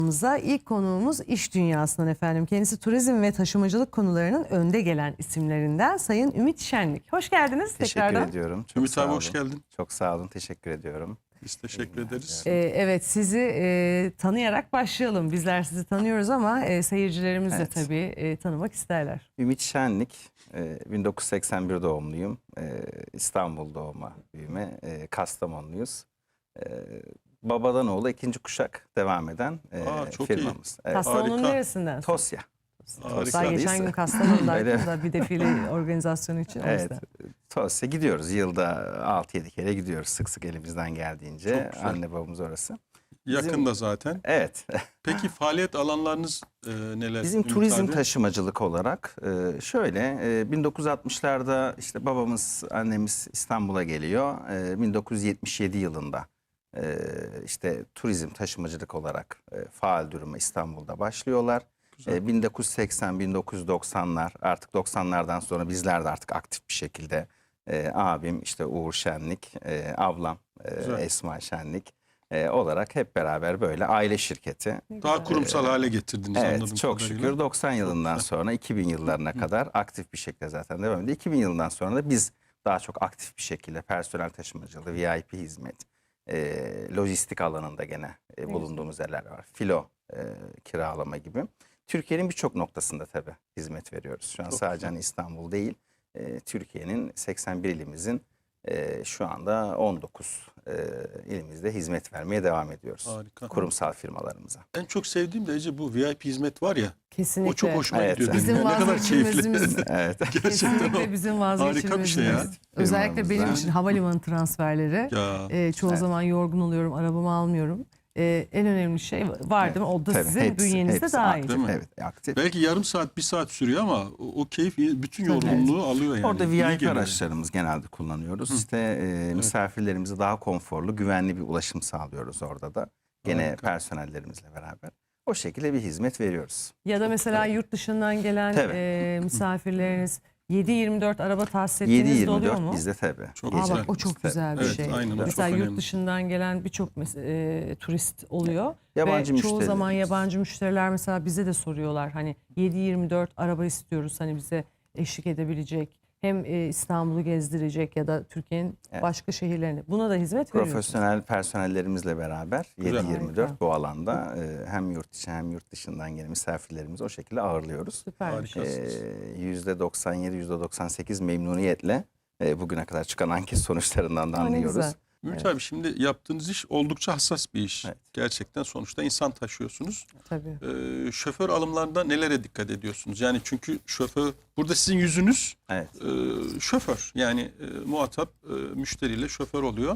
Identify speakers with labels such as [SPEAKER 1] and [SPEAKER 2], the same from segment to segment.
[SPEAKER 1] İlk konuğumuz iş dünyasından efendim. Kendisi turizm ve taşımacılık konularının önde gelen isimlerinden Sayın Ümit Şenlik. Hoş geldiniz tekrardan.
[SPEAKER 2] Teşekkür ediyorum. Çok
[SPEAKER 3] Ümit
[SPEAKER 2] sağ
[SPEAKER 3] abi
[SPEAKER 2] olun.
[SPEAKER 3] hoş geldin.
[SPEAKER 2] Çok sağ olun. Teşekkür ediyorum.
[SPEAKER 3] Biz teşekkür ederiz.
[SPEAKER 1] Evet, sizi tanıyarak başlayalım. Bizler sizi tanıyoruz ama seyircilerimiz de
[SPEAKER 2] Evet.
[SPEAKER 1] tabii tanımak isterler.
[SPEAKER 2] Ümit Şenlik, 1981 doğumluyum. İstanbul doğma büyüme. Kastamonluyuz. Babadan oğula ikinci kuşak devam eden
[SPEAKER 3] çok iyi.
[SPEAKER 2] firmamız. Evet.
[SPEAKER 1] Kastamonu'nun
[SPEAKER 3] harika.
[SPEAKER 1] neresinden?
[SPEAKER 2] Tosya.
[SPEAKER 3] Harika.
[SPEAKER 1] Daha geçen gün Kastamonu'daydım
[SPEAKER 2] Öyle.
[SPEAKER 1] da bir defile organizasyonu için. O
[SPEAKER 2] Evet.
[SPEAKER 1] yüzden.
[SPEAKER 2] Tosya gidiyoruz. Yılda 6-7 kere gidiyoruz sık sık elimizden geldiğince.
[SPEAKER 3] Çok güzel.
[SPEAKER 2] Anne babamız orası.
[SPEAKER 3] Yakında zaten.
[SPEAKER 2] Evet.
[SPEAKER 3] Peki faaliyet alanlarınız neler?
[SPEAKER 2] Bizim
[SPEAKER 3] Ümit
[SPEAKER 2] turizm
[SPEAKER 3] abi?
[SPEAKER 2] taşımacılık olarak şöyle 1960'larda işte babamız annemiz İstanbul'a geliyor. 1977 yılında işte turizm taşımacılık olarak faal duruma İstanbul'da başlıyorlar.
[SPEAKER 3] Güzel.
[SPEAKER 2] 1980-1990'lar artık 90'lardan sonra bizler de artık aktif bir şekilde abim işte Uğur Şenlik, ablam
[SPEAKER 3] Güzel.
[SPEAKER 2] Esma Şenlik olarak hep beraber böyle aile şirketi.
[SPEAKER 1] Ne
[SPEAKER 3] Daha
[SPEAKER 1] güzel.
[SPEAKER 3] kurumsal hale getirdiniz anladığım
[SPEAKER 2] Evet çok
[SPEAKER 3] kadarıyla.
[SPEAKER 2] şükür 90 yılından sonra 2000 yıllarına kadar aktif bir şekilde zaten devam ediyor. 2000 yılından sonra da biz daha çok aktif bir şekilde personel taşımacılığı, VIP hizmet, lojistik alanında gene bulunduğumuz yerler var. Filo kiralama gibi. Türkiye'nin birçok noktasında tabii hizmet veriyoruz. Şu an
[SPEAKER 3] Çok
[SPEAKER 2] sadece
[SPEAKER 3] güzel.
[SPEAKER 2] hani İstanbul değil, Türkiye'nin 81 ilimizin şu anda 19 ilimizde hizmet vermeye devam ediyoruz.
[SPEAKER 3] Harika.
[SPEAKER 2] Kurumsal firmalarımıza.
[SPEAKER 3] En çok sevdiğim de Ece bu VIP hizmet var ya.
[SPEAKER 1] Kesinlikle.
[SPEAKER 3] O çok hoşuma
[SPEAKER 2] Evet.
[SPEAKER 3] gidiyor.
[SPEAKER 1] Bizim
[SPEAKER 3] benim. Ne kadar keyifli.
[SPEAKER 1] vazgeçilmezimiz.
[SPEAKER 2] Evet.
[SPEAKER 3] Gerçekten
[SPEAKER 1] Kesinlikle
[SPEAKER 3] o.
[SPEAKER 1] bizim
[SPEAKER 3] Harika bir
[SPEAKER 1] vazgeçilmezimiz.
[SPEAKER 3] şey ya.
[SPEAKER 1] Özellikle benim
[SPEAKER 2] Firmamızda.
[SPEAKER 1] için havalimanı transferleri.
[SPEAKER 3] Ya.
[SPEAKER 1] Çoğu
[SPEAKER 2] Evet.
[SPEAKER 1] zaman yorgun oluyorum, arabamı almıyorum. En önemli şey var değil mi? O da
[SPEAKER 2] Tabii,
[SPEAKER 1] sizin
[SPEAKER 2] hepsi
[SPEAKER 1] bünyenizde dahil.
[SPEAKER 2] aktif,
[SPEAKER 3] Değil mi?
[SPEAKER 2] evet, aktif.
[SPEAKER 3] Belki yarım saat, bir saat sürüyor ama o keyif bütün
[SPEAKER 1] Tabii.
[SPEAKER 3] yorgunluğu alıyor yani.
[SPEAKER 2] Orada
[SPEAKER 3] İyi
[SPEAKER 2] VIP
[SPEAKER 3] geliyor.
[SPEAKER 2] araçlarımız genelde kullanıyoruz. İşte misafirlerimize daha konforlu, güvenli bir ulaşım sağlıyoruz orada da. Gene
[SPEAKER 3] Harika.
[SPEAKER 2] personellerimizle beraber. O şekilde bir hizmet veriyoruz.
[SPEAKER 1] Ya da mesela yurt dışından gelen
[SPEAKER 2] Tabii.
[SPEAKER 1] misafirleriniz 7-24 araba tahsis ettiğiniz de oluyor
[SPEAKER 2] 7-24
[SPEAKER 1] mu?
[SPEAKER 2] bizde tabii.
[SPEAKER 3] Çok
[SPEAKER 1] Aa,
[SPEAKER 3] güzel.
[SPEAKER 1] bak o çok güzel bir
[SPEAKER 3] Evet,
[SPEAKER 1] şey.
[SPEAKER 3] aynen, o
[SPEAKER 1] Mesela
[SPEAKER 3] çok
[SPEAKER 1] yurt
[SPEAKER 3] önemli.
[SPEAKER 1] dışından gelen birçok turist oluyor.
[SPEAKER 2] Yabancı
[SPEAKER 1] Ve çoğu zaman
[SPEAKER 2] müşterilerimiz.
[SPEAKER 1] yabancı müşteriler mesela bize de soruyorlar. Hani 7-24 araba istiyoruz hani bize eşlik edebilecek. Hem İstanbul'u gezdirecek ya da Türkiye'nin
[SPEAKER 2] Evet.
[SPEAKER 1] başka şehirlerini. Buna da hizmet veriyoruz.
[SPEAKER 2] Profesyonel personellerimizle beraber
[SPEAKER 3] Güzel.
[SPEAKER 2] 7-24
[SPEAKER 1] Harika.
[SPEAKER 2] bu alanda hem yurt içi hem yurt dışından gelen misafirlerimizi o şekilde ağırlıyoruz.
[SPEAKER 1] Süpermiş.
[SPEAKER 3] Harikasınız.
[SPEAKER 2] %97-%98 memnuniyetle bugüne kadar çıkan anket sonuçlarından da
[SPEAKER 1] Aa, ne
[SPEAKER 2] anlıyoruz.
[SPEAKER 1] güzel.
[SPEAKER 3] Ümit abi şimdi yaptığınız iş oldukça hassas bir iş.
[SPEAKER 2] Evet.
[SPEAKER 3] Gerçekten sonuçta insan taşıyorsunuz.
[SPEAKER 1] Tabii.
[SPEAKER 3] Şoför alımlarında nelere dikkat ediyorsunuz? Yani çünkü şoför, burada sizin yüzünüz
[SPEAKER 2] Evet.
[SPEAKER 3] şoför. Yani muhatap müşteriyle şoför oluyor.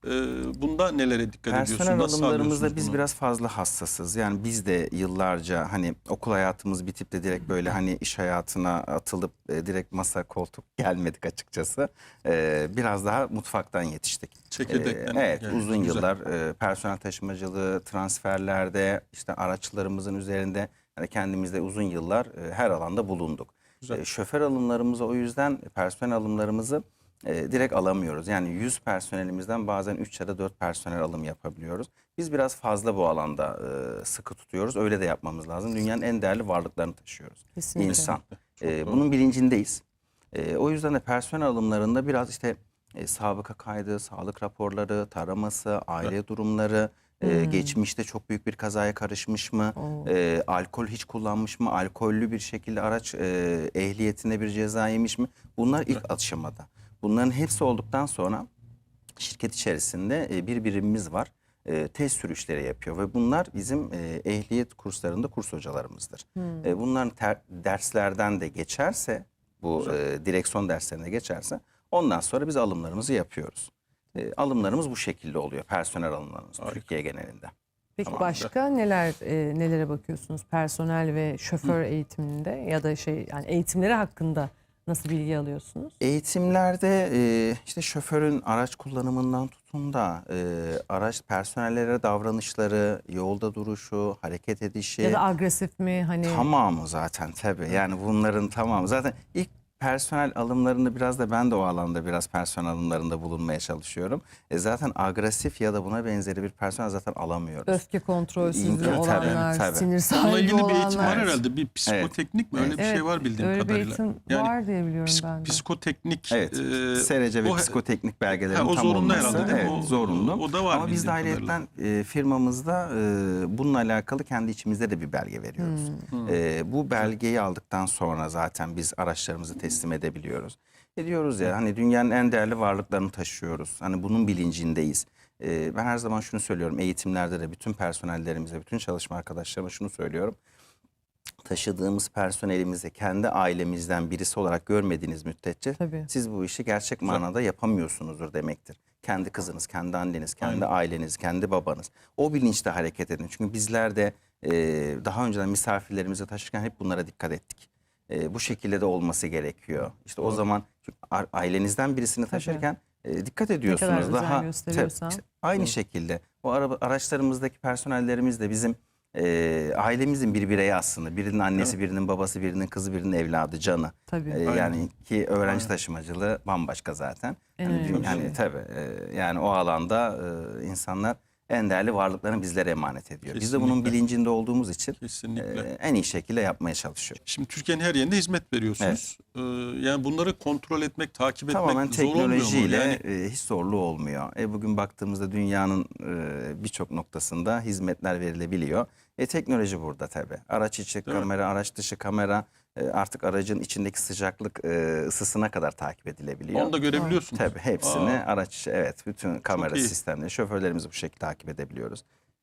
[SPEAKER 3] Bunda nelere dikkat ediyorsunuz?
[SPEAKER 2] Personel
[SPEAKER 3] Nasıl
[SPEAKER 2] alımlarımızda
[SPEAKER 3] sağlıyorsunuz
[SPEAKER 2] biz
[SPEAKER 3] bunu?
[SPEAKER 2] biraz fazla hassasız. Yani biz de yıllarca hani okul hayatımız bitip de direkt böyle hani iş hayatına atılıp direkt masa koltuk gelmedik açıkçası. Biraz daha mutfaktan yetiştik.
[SPEAKER 3] Çekirdekten
[SPEAKER 2] Evet,
[SPEAKER 3] geldi.
[SPEAKER 2] uzun
[SPEAKER 3] Güzel.
[SPEAKER 2] yıllar personel taşımacılığı, transferlerde, işte araçlarımızın üzerinde yani kendimizde uzun yıllar her alanda bulunduk.
[SPEAKER 3] Güzel.
[SPEAKER 2] Şoför alımlarımızı o yüzden personel alımlarımızı direkt alamıyoruz. Yani 100 personelimizden bazen 3 ya da 4 personel alım yapabiliyoruz. Biz biraz fazla bu alanda sıkı tutuyoruz. Öyle de yapmamız lazım. Dünyanın en değerli varlıklarını taşıyoruz.
[SPEAKER 1] Kesinlikle.
[SPEAKER 2] İnsan.
[SPEAKER 3] doğru.
[SPEAKER 2] Bunun bilincindeyiz. O yüzden de personel alımlarında biraz işte sabıka kaydı, sağlık raporları, taraması, aile durumları, geçmişte çok büyük bir kazaya karışmış mı,
[SPEAKER 1] Oo.
[SPEAKER 2] alkol hiç kullanmış mı, alkollü bir şekilde araç ehliyetinde bir ceza yemiş mi? Bunlar ilk aşamada. Bunların hepsi olduktan sonra şirket içerisinde bir birimimiz var. Test sürüşleri yapıyor ve bunlar bizim ehliyet kurslarında kurs hocalarımızdır. Bunların derslerden de geçerse, bu direksiyon derslerine geçerse ondan sonra biz alımlarımızı yapıyoruz. Alımlarımız bu şekilde oluyor. Personel alımlarımız
[SPEAKER 3] Harika.
[SPEAKER 2] Türkiye genelinde.
[SPEAKER 1] Peki
[SPEAKER 3] Tamam.
[SPEAKER 1] başka nelere bakıyorsunuz personel ve şoför eğitiminde ya da yani eğitimleri hakkında nasıl bilgi alıyorsunuz?
[SPEAKER 2] Eğitimlerde işte şoförün araç kullanımından tutun da araç personellere davranışları, yolda duruşu, hareket edişi
[SPEAKER 1] Ya da agresif mi hani?
[SPEAKER 2] tamamı zaten tabii. Yani bunların tamamı zaten ilk personel alımlarında biraz da ben de o alanda biraz personel alımlarında bulunmaya çalışıyorum. Zaten agresif ya da buna benzeri bir personel zaten alamıyoruz.
[SPEAKER 1] Öfke kontrolsüzlüğü
[SPEAKER 2] Tabii,
[SPEAKER 1] olanlar,
[SPEAKER 2] tabii.
[SPEAKER 1] sinir sahibi
[SPEAKER 3] Onunla ilgili bir eğitim var
[SPEAKER 1] olanlar.
[SPEAKER 3] herhalde. Bir psikoteknik mi? Öyle bir şey var bildiğim
[SPEAKER 1] öyle
[SPEAKER 3] kadarıyla.
[SPEAKER 1] bir eğitim
[SPEAKER 3] Yani
[SPEAKER 1] var diye biliyorum ben de.
[SPEAKER 3] psikoteknik.
[SPEAKER 2] Evet. SRC ve
[SPEAKER 3] o-
[SPEAKER 2] psikoteknik belgelerin
[SPEAKER 3] o
[SPEAKER 2] tam
[SPEAKER 3] zorunlu
[SPEAKER 2] olması.
[SPEAKER 3] herhalde değil mi?
[SPEAKER 2] Evet,
[SPEAKER 3] O-
[SPEAKER 2] zorunlu.
[SPEAKER 3] o da var
[SPEAKER 2] Ama biz de
[SPEAKER 3] bildiğim kadarıyla.
[SPEAKER 2] ayrıyetten firmamızda bununla alakalı kendi içimizde de bir belge veriyoruz. Bu belgeyi aldıktan sonra zaten biz araçlarımızı teslim edebiliyoruz. Diyoruz ya hani dünyanın en değerli varlıklarını taşıyoruz. Hani bunun bilincindeyiz. Ben her zaman şunu söylüyorum eğitimlerde de bütün personellerimize, bütün çalışma arkadaşlarıma şunu söylüyorum. Taşıdığımız personelimizi kendi ailemizden birisi olarak görmediğiniz müddetçe
[SPEAKER 1] Tabii.
[SPEAKER 2] siz bu işi gerçek manada yapamıyorsunuzdur demektir. Kendi kızınız, kendi anneniz, kendi aileniz, kendi babanız. O bilinçle hareket edin. Çünkü bizler de daha önceden misafirlerimizi taşırken hep bunlara dikkat ettik. Bu şekilde de olması gerekiyor. İşte o zaman çünkü ailenizden birisini taşırken dikkat ediyorsunuz.
[SPEAKER 1] özen
[SPEAKER 2] Daha
[SPEAKER 1] gösteriyorsan.
[SPEAKER 2] işte aynı şekilde o araçlarımızdaki personellerimiz de bizim ailemizin bir bireyi aslında. Birinin annesi, birinin babası, birinin kızı, birinin evladı, canı.
[SPEAKER 1] Tabii.
[SPEAKER 2] Yani ki öğrenci taşımacılığı bambaşka zaten.
[SPEAKER 1] En
[SPEAKER 2] Yani,
[SPEAKER 1] önemli
[SPEAKER 2] yani
[SPEAKER 1] şey.
[SPEAKER 2] tabii yani o alanda insanlar en değerli varlıklarını bizlere emanet ediyor. Biz de bunun
[SPEAKER 3] Kesinlikle.
[SPEAKER 2] bilincinde olduğumuz için
[SPEAKER 3] Kesinlikle.
[SPEAKER 2] en iyi şekilde yapmaya çalışıyoruz.
[SPEAKER 3] Şimdi Türkiye'nin her yerinde hizmet veriyorsunuz. Yani bunları kontrol etmek, takip etmek
[SPEAKER 2] Tamamen
[SPEAKER 3] zor olmuyor mu?
[SPEAKER 2] teknolojiyle
[SPEAKER 3] Yani
[SPEAKER 2] hiç zorluğu olmuyor. Bugün baktığımızda dünyanın birçok noktasında hizmetler verilebiliyor. Teknoloji burada tabii. Araç içi
[SPEAKER 3] Değil mi?
[SPEAKER 2] kamera, araç dışı kamera artık aracın içindeki sıcaklık ısısına kadar takip edilebiliyor.
[SPEAKER 3] onu da görebiliyorsunuz.
[SPEAKER 2] Tabii hepsini
[SPEAKER 3] Aa.
[SPEAKER 2] araç içi, evet, bütün kamera
[SPEAKER 3] iyi.
[SPEAKER 2] sistemleri, şoförlerimizi bu şekilde takip edebiliyoruz.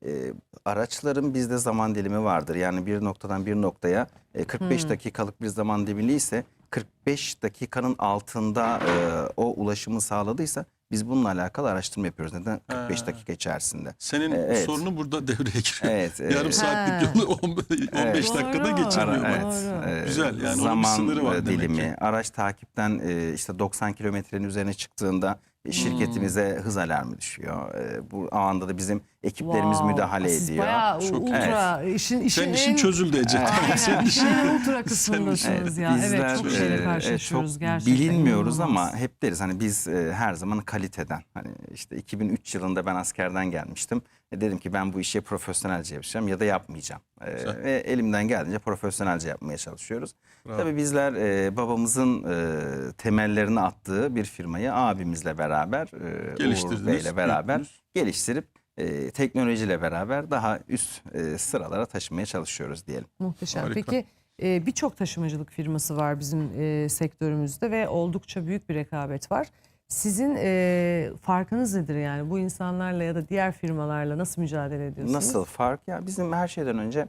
[SPEAKER 2] Araçların bizde zaman dilimi vardır. Yani bir noktadan bir noktaya 45 dakikalık bir zaman dilimi ise 45 dakikanın altında o ulaşımı sağladıysa biz bununla alakalı araştırma yapıyoruz. Neden? 45 dakika içerisinde.
[SPEAKER 3] Senin
[SPEAKER 2] Evet.
[SPEAKER 3] sorunu burada devreye giriyor.
[SPEAKER 2] Evet,
[SPEAKER 3] Yarım saatlik yolu 15 dakikada
[SPEAKER 1] Doğru.
[SPEAKER 3] geçemiyor.
[SPEAKER 2] Evet,
[SPEAKER 1] Doğru.
[SPEAKER 3] Güzel, yani onun bir
[SPEAKER 2] zaman
[SPEAKER 3] sınırı var demek
[SPEAKER 2] dilimi,
[SPEAKER 3] ki.
[SPEAKER 2] araç takipten işte 90 kilometrenin üzerine çıktığında şirketimize hız alarmı düşüyor. Bu anda da bizim ekiplerimiz müdahale
[SPEAKER 1] Siz
[SPEAKER 2] ediyor.
[SPEAKER 1] bayağı
[SPEAKER 3] Çok
[SPEAKER 1] ultra işin
[SPEAKER 3] Senin işin
[SPEAKER 1] en,
[SPEAKER 3] çözüldü Ece.
[SPEAKER 1] Aynen,
[SPEAKER 3] Senin
[SPEAKER 1] işin
[SPEAKER 3] işin-
[SPEAKER 1] en ultra kısmındasınız ya. Evet, çok şeyle karşılaşıyoruz
[SPEAKER 2] çok
[SPEAKER 1] gerçekten.
[SPEAKER 2] bilinmiyoruz
[SPEAKER 1] inanılmaz.
[SPEAKER 2] ama hep deriz hani biz her zaman kaliteden. Hani işte 2003 yılında ben askerden gelmiştim. Dedim ki ben bu işi profesyonelce yapacağım ya da yapmayacağım. Ve elimden geldiğince profesyonelce yapmaya çalışıyoruz.
[SPEAKER 3] Bravo.
[SPEAKER 2] Tabii bizler babamızın temellerini attığı bir firmayı abimizle beraber, Uğur
[SPEAKER 3] Geliştirdiniz,
[SPEAKER 2] Bey'le beraber
[SPEAKER 3] büyüttünüz.
[SPEAKER 2] geliştirip teknolojiyle beraber daha üst sıralara taşımaya çalışıyoruz diyelim.
[SPEAKER 1] Muhteşem.
[SPEAKER 3] Harika.
[SPEAKER 1] Peki birçok taşımacılık firması var bizim sektörümüzde ve oldukça büyük bir rekabet var. Sizin farkınız nedir yani? Bu insanlarla ya da diğer firmalarla nasıl mücadele ediyorsunuz?
[SPEAKER 2] Nasıl fark? Ya bizim her şeyden önce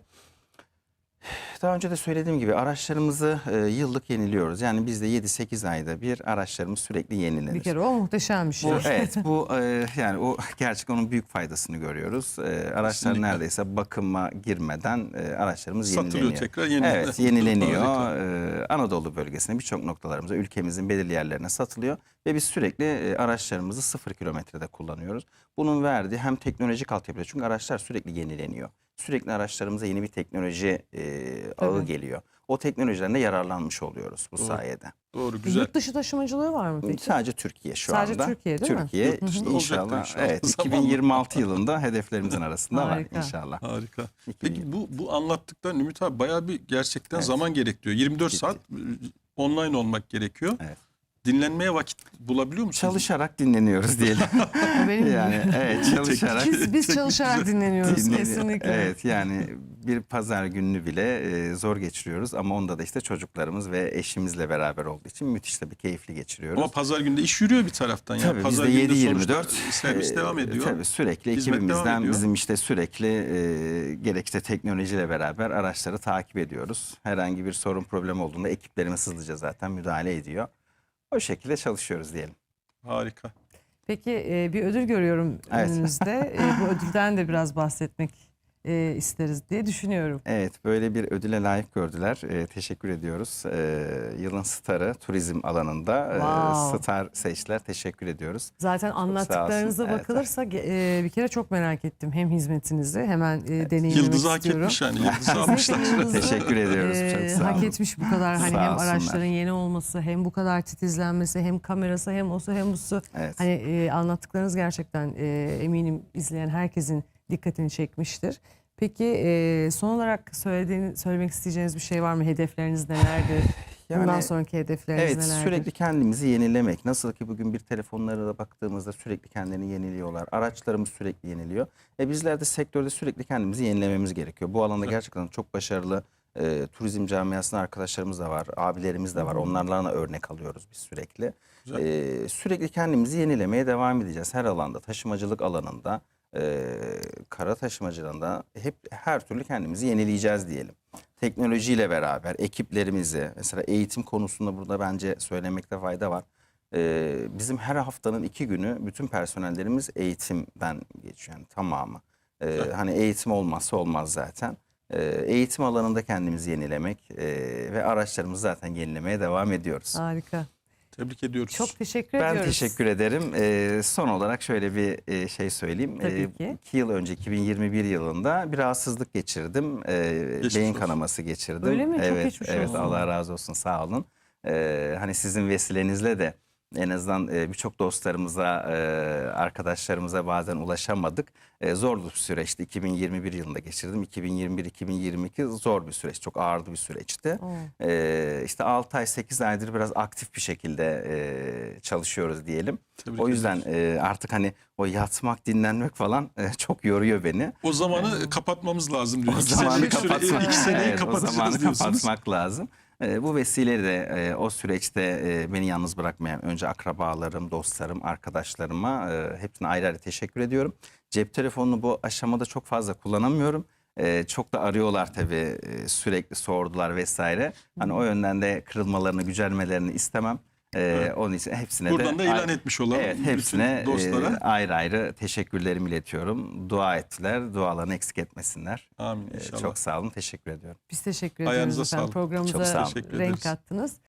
[SPEAKER 2] daha önce de söylediğim gibi araçlarımızı yıllık yeniliyoruz. Yani bizde 7-8 ayda bir araçlarımız sürekli yenilenir.
[SPEAKER 1] Bir kere o muhteşem bir şey.
[SPEAKER 2] Bu, evet, bu yani o gerçekten onun büyük faydasını görüyoruz. Araçlar
[SPEAKER 3] Kesinlikle.
[SPEAKER 2] neredeyse bakıma girmeden araçlarımız
[SPEAKER 3] Satılıyor
[SPEAKER 2] yenileniyor.
[SPEAKER 3] tekrar, yenileniyor.
[SPEAKER 2] Evet, yenileniyor.
[SPEAKER 3] Harika.
[SPEAKER 2] Anadolu bölgesine birçok noktalarımıza, ülkemizin belirli yerlerine satılıyor ve biz sürekli araçlarımızı 0 kilometrede kullanıyoruz. Bunun verdiği hem teknolojik altyapı, çünkü araçlar sürekli yenileniyor. Sürekli araçlarımıza yeni bir teknoloji ağı
[SPEAKER 1] Tabii.
[SPEAKER 2] geliyor. O teknolojilerden de yararlanmış oluyoruz bu sayede.
[SPEAKER 3] Doğru, güzel.
[SPEAKER 1] Yurt dışı taşımacılığı var mı peki?
[SPEAKER 2] Sadece Türkiye şu
[SPEAKER 1] Sadece
[SPEAKER 2] anda.
[SPEAKER 1] Türkiye değil mi?
[SPEAKER 2] Türkiye
[SPEAKER 3] Yurt dışında olacaktır
[SPEAKER 2] inşallah.
[SPEAKER 3] inşallah.
[SPEAKER 2] Evet,
[SPEAKER 3] Zamanla.
[SPEAKER 2] 2026 yılında hedeflerimizin arasında var
[SPEAKER 1] Harika.
[SPEAKER 2] inşallah.
[SPEAKER 3] Harika.
[SPEAKER 2] 2000
[SPEAKER 3] Peki bu anlattıktan Ümit abi bayağı bir gerçekten
[SPEAKER 2] Evet.
[SPEAKER 3] zaman gerektiriyor. 24
[SPEAKER 2] Ciddi.
[SPEAKER 3] saat online olmak gerekiyor.
[SPEAKER 2] Evet.
[SPEAKER 3] Dinlenmeye vakit bulabiliyor musunuz?
[SPEAKER 2] Çalışarak dinleniyoruz diyelim.
[SPEAKER 1] O benim
[SPEAKER 2] yani evet, çalışarak.
[SPEAKER 1] biz çalışarak dinleniyoruz
[SPEAKER 2] dinleniyor.
[SPEAKER 1] kesinlikle.
[SPEAKER 2] Evet, yani bir pazar gününü bile zor geçiriyoruz ama onda da işte çocuklarımız ve eşimizle beraber olduğu için müthiş tabii keyifli geçiriyoruz.
[SPEAKER 3] Ama pazar günde iş yürüyor bir taraftan. Yani
[SPEAKER 2] Tabii
[SPEAKER 3] pazar
[SPEAKER 2] bizde
[SPEAKER 3] günde
[SPEAKER 2] 7-24
[SPEAKER 3] sonuçta servis devam ediyor.
[SPEAKER 2] Tabii sürekli
[SPEAKER 3] Hizmet devam
[SPEAKER 2] ekibimizden
[SPEAKER 3] ediyor.
[SPEAKER 2] bizim işte sürekli gerek işte teknolojiyle beraber araçları takip ediyoruz. Herhangi bir sorun problem olduğunda ekiplerimiz hızlıca zaten müdahale ediyor. O şekilde çalışıyoruz diyelim.
[SPEAKER 3] Harika.
[SPEAKER 1] Peki bir ödül görüyorum
[SPEAKER 2] Evet.
[SPEAKER 1] önünüzde. Bu ödülden de biraz bahsetmek isteriz diye düşünüyorum.
[SPEAKER 2] Evet, böyle bir ödüle layık gördüler. Teşekkür ediyoruz. Yılın starı turizm alanında
[SPEAKER 1] Wow.
[SPEAKER 2] star seçtiler. Teşekkür ediyoruz.
[SPEAKER 1] Zaten anlattıklarınıza
[SPEAKER 2] olsun. Evet.
[SPEAKER 1] bakılırsa bir kere çok merak ettim hem hizmetinizi hemen deneyimlemek
[SPEAKER 3] Yıldız'ı hak
[SPEAKER 1] istiyorum.
[SPEAKER 3] etmiş yani. Yıldız'ı almışlar.
[SPEAKER 1] Kesinlikle Yıldız'ı,
[SPEAKER 2] Teşekkür ediyoruz. Çok sağ
[SPEAKER 1] hak
[SPEAKER 2] olun.
[SPEAKER 1] etmiş bu kadar hani
[SPEAKER 2] Sağ
[SPEAKER 1] hem
[SPEAKER 2] olsunlar.
[SPEAKER 1] araçların yeni olması hem bu kadar titizlenmesi hem kamerası hem osu hem busu.
[SPEAKER 2] Evet.
[SPEAKER 1] Hani anlattıklarınız gerçekten eminim izleyen herkesin dikkatini çekmiştir. Peki son olarak söylemek isteyeceğiniz bir şey var mı? Hedefleriniz nelerdir? Bundan
[SPEAKER 2] Yani,
[SPEAKER 1] sonraki hedefleriniz
[SPEAKER 2] Evet,
[SPEAKER 1] nelerdir?
[SPEAKER 2] sürekli kendimizi yenilemek. Nasıl ki bugün bir telefonlara da baktığımızda sürekli kendilerini yeniliyorlar. Araçlarımız sürekli yeniliyor. Bizler de sektörde sürekli kendimizi yenilememiz gerekiyor. Bu alanda gerçekten çok başarılı turizm camiasında arkadaşlarımız da var, abilerimiz de var. Onlarla da örnek alıyoruz biz sürekli. Sürekli kendimizi yenilemeye devam edeceğiz. Her alanda, taşımacılık alanında, kara taşımacılığında hep her türlü kendimizi yenileyeceğiz diyelim. Teknolojiyle beraber ekiplerimizi, mesela eğitim konusunda burada bence söylemekte fayda var. Bizim her haftanın 2 günü bütün personellerimiz eğitimden geçiyor, yani tamamı. Hani eğitim olmazsa olmaz zaten. Eğitim alanında kendimizi yenilemek ve araçlarımızı zaten yenilemeye devam ediyoruz.
[SPEAKER 1] Harika.
[SPEAKER 3] Tebrik ediyoruz.
[SPEAKER 1] Çok teşekkür
[SPEAKER 2] Ben
[SPEAKER 1] ediyoruz.
[SPEAKER 2] teşekkür ederim. Son olarak şöyle bir şey söyleyeyim.
[SPEAKER 1] Tabii ki.
[SPEAKER 2] 2 yıl önce 2021 yılında bir rahatsızlık geçirdim. Beyin
[SPEAKER 3] olsun.
[SPEAKER 2] kanaması geçirdim.
[SPEAKER 1] Öyle mi? Çok
[SPEAKER 2] Evet,
[SPEAKER 1] geçmiş
[SPEAKER 2] evet,
[SPEAKER 1] olsun.
[SPEAKER 2] Allah razı olsun, sağ olun. Hani sizin vesilenizle de en azından birçok dostlarımıza, arkadaşlarımıza bazen ulaşamadık. Zor bir süreçti. 2021 yılında geçirdim. 2021-2022 zor bir süreç. Çok ağırdı bir süreçti. İşte 6 ay 8 aydır biraz aktif bir şekilde çalışıyoruz diyelim.
[SPEAKER 3] Tebrik
[SPEAKER 2] O yüzden artık hani o yatmak, dinlenmek falan çok yoruyor beni.
[SPEAKER 3] O zamanı kapatmamız lazım diyor.
[SPEAKER 2] O
[SPEAKER 3] 2
[SPEAKER 2] zamanı
[SPEAKER 3] senelik
[SPEAKER 2] kapatmak,
[SPEAKER 3] iki seneyi
[SPEAKER 2] evet, o
[SPEAKER 3] kapatacağız
[SPEAKER 2] zamanı
[SPEAKER 3] diyorsunuz.
[SPEAKER 2] kapatmak lazım. Bu vesileyle de o süreçte beni yalnız bırakmayan önce akrabalarım, dostlarım, arkadaşlarıma hepsine ayrı ayrı teşekkür ediyorum. Cep telefonunu bu aşamada çok fazla kullanamıyorum. Çok da arıyorlar tabii, sürekli sordular vesaire. Hani o yönden de kırılmalarını, gücenmelerini istemem. Onun için hepsine
[SPEAKER 3] Buradan
[SPEAKER 2] de
[SPEAKER 3] da ilan etmiş olalım.
[SPEAKER 2] evet,
[SPEAKER 3] bütün
[SPEAKER 2] hepsine
[SPEAKER 3] dostlara.
[SPEAKER 2] ayrı ayrı teşekkürlerimi iletiyorum. Dua ettiler, dualarını eksik etmesinler.
[SPEAKER 3] Amin inşallah.
[SPEAKER 2] Çok sağ olun, teşekkür ediyorum.
[SPEAKER 1] Biz teşekkür ediyoruz
[SPEAKER 3] Ayağınıza
[SPEAKER 1] efendim.
[SPEAKER 3] sağlık.
[SPEAKER 2] Çok
[SPEAKER 1] Programımıza
[SPEAKER 2] sağ olun.
[SPEAKER 3] Teşekkür
[SPEAKER 1] renk
[SPEAKER 3] ederiz.
[SPEAKER 1] kattınız.